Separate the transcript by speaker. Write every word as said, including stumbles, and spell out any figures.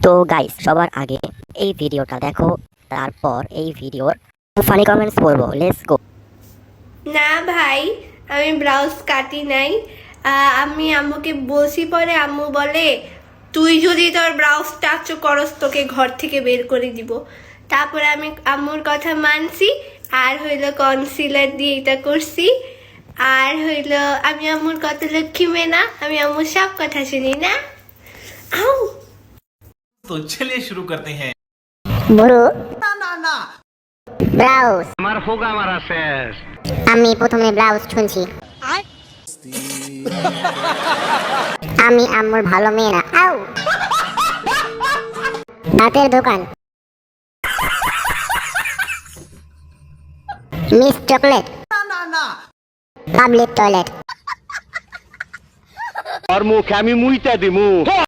Speaker 1: তো গাইস সবার আগে এই ভিডিওটা দেখো, তারপর এই ভিডিওর ফানি কমেন্টস পড়বো। Let's go.
Speaker 2: না ভাই, আমি ব্লাউজ কাটি নাই। আহ, আমি আম্মুকে বলছি, পরে আম্মু বলে তুই যদি তোর ব্লাউজ টাচ করস তোকে ঘর থেকে বের করে দিব। তারপরে আমি আম্মুর কথা মানছি, আর হইলো কনসিলার দিয়ে এটা করছি। আর হইলো আমি আম্মুর কত লক্ষ্মী মেয়ে না, আমি আম্মুর সব কথা শুনি না। আউ
Speaker 3: तो चलिए शुरू करते हैं।
Speaker 4: বুড়ো
Speaker 3: ना ना ना
Speaker 4: ব্লাউজ
Speaker 5: আমার হোগা মারা শেষ।
Speaker 4: আমি প্রথমে ব্লাউজ শুনছি। আমি আম্মুর ভালো মেয়ে না। আউ হাতের দোকান, মিস চকলেট,
Speaker 3: ना ना ना
Speaker 4: পাবলিক টয়লেট।
Speaker 5: আর মুখে আমি মুইতা দিমু।